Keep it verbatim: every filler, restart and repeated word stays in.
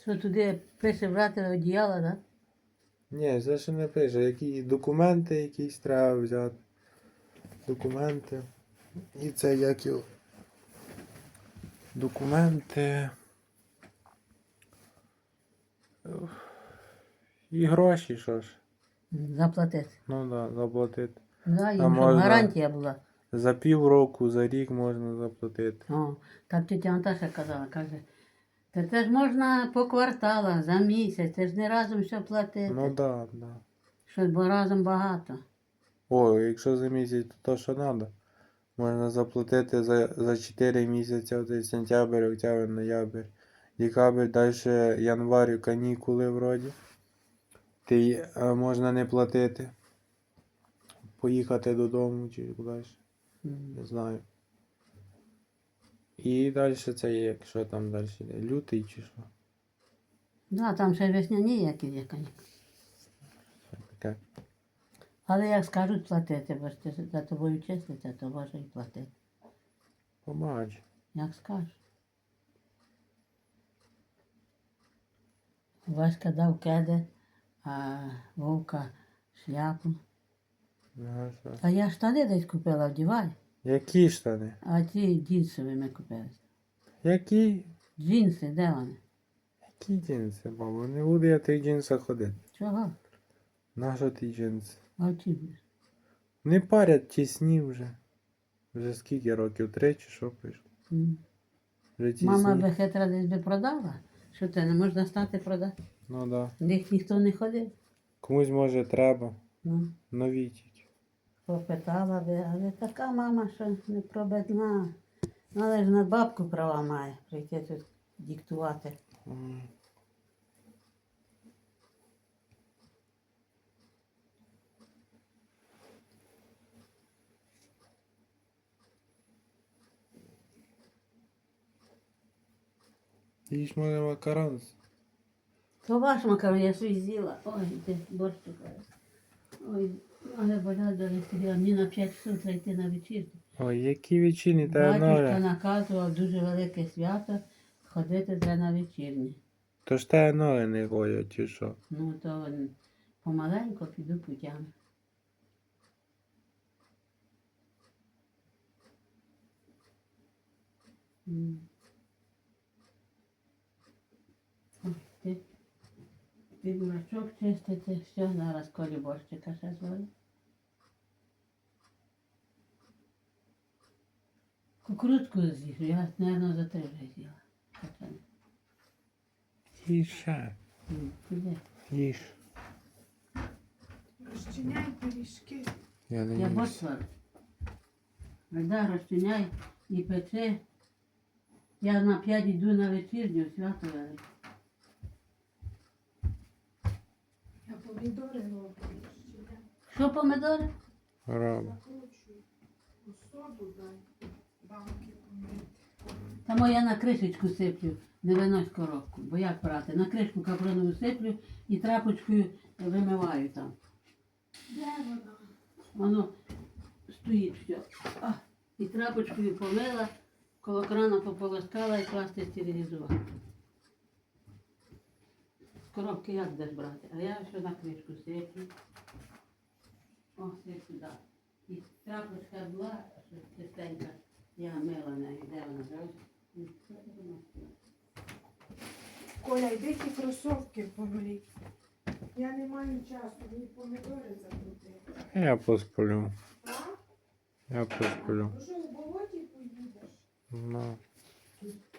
Що туди пише брати одіяло, так? Ні, це ще не пише. Які документи якісь треба взяти. Документи. І це як його. Документи. І гроші, що ж. Заплатити. Ну так, да, заплатити. Да, А їм, щоб можна- гарантія була. За півроку, за рік можна заплатити. О, так тетя Наташа казала, каже, та це ж можна по кварталах, за місяць, це ж не разом все платити. Ну так, да, так. Да. Щось бо разом багато. О, якщо за місяць, то то, що треба. Можна заплатити за, за чотири місяці, оцей сентябрь, октябрь, ноябрь, декабрь, далі январь, канікули вроді. Ти е, можна не платити. Поїхати додому чи кудись. М. Не знаю. І далі це є, якщо там далі йде. Лютий чи що. Да, там ще весняні які є, канікули. Це таке. Але як скажуть платити, бо ж ти за тобою числиться, то може і платити. Побач. Як скажеш. Васька дав кеди, а Вовка шляпу. Ну, що? А я штани десь купила, вдівай. Які штани? А ті джинсові ми купили. Які? Джинси, де вони? Які джинси, бабу? Не буду я в тих джинсах ходити. Чого? Нащо ті джинси? А ті. Не парять тісні вже. Вже скільки років? Три чи що прийшло? М. Вже тісні. Мама би хитра десь би продала. Що це, не можна стати продати? Ну да. Них ніхто не ходив. Комусь може треба. Ну, Нові тільки. попитала би, але така мама, що не пробедна. Ну, але ж на бабку права має прийти тут диктувати. М. Їж може макарон. То ваш макарон, я свій з'їла. Ой, де борщ шукаю. Ой, ноги болять, до собі, а мені на п'ять часов треба йти на вечірку. Ой, які вечірні, та Батюшка ноги. наказував дуже велике свято, ходити треба на вечірні. То ж та ноги не ходять, чи що? Ну, то помаленько піду путями. М. Ой, ти, ти бурачок чистити, все, зараз колі борщика ще зварю. Кукурудзку з'їв, я, мабуть, за три вже з'їла. Хоча не. Їж ще. М, піде. Їж. Розчиняй пиріжки. Я не Я їм. борщ сварю. Вода розчиняй і пече. Я на п'ять йду на вечірню, свято велике. Я помідори роблю. розчиняй. Що помидори? Роби. Закручую. У соду дай. Банки помити. Тому я на кришечку сиплю, не винось коробку. Бо як брати? На кришку капронову сиплю і трапочкою вимиваю там. Де вона? Воно стоїть все. А, і трапочкою помила, коло крана пополоскала і класти стерилізувати. З коробки як десь брати? А я все на кришку сиплю. О, сиплю, так. І трапочка була, що чистенька, я мила нею, де вона зразу. І що це воно? Коля, йди ті кросовки помий. Я не маю часу, мені помідори закрутити. Я посплю. А? Я посплю. Ну що, в болоті поїдеш? Ну.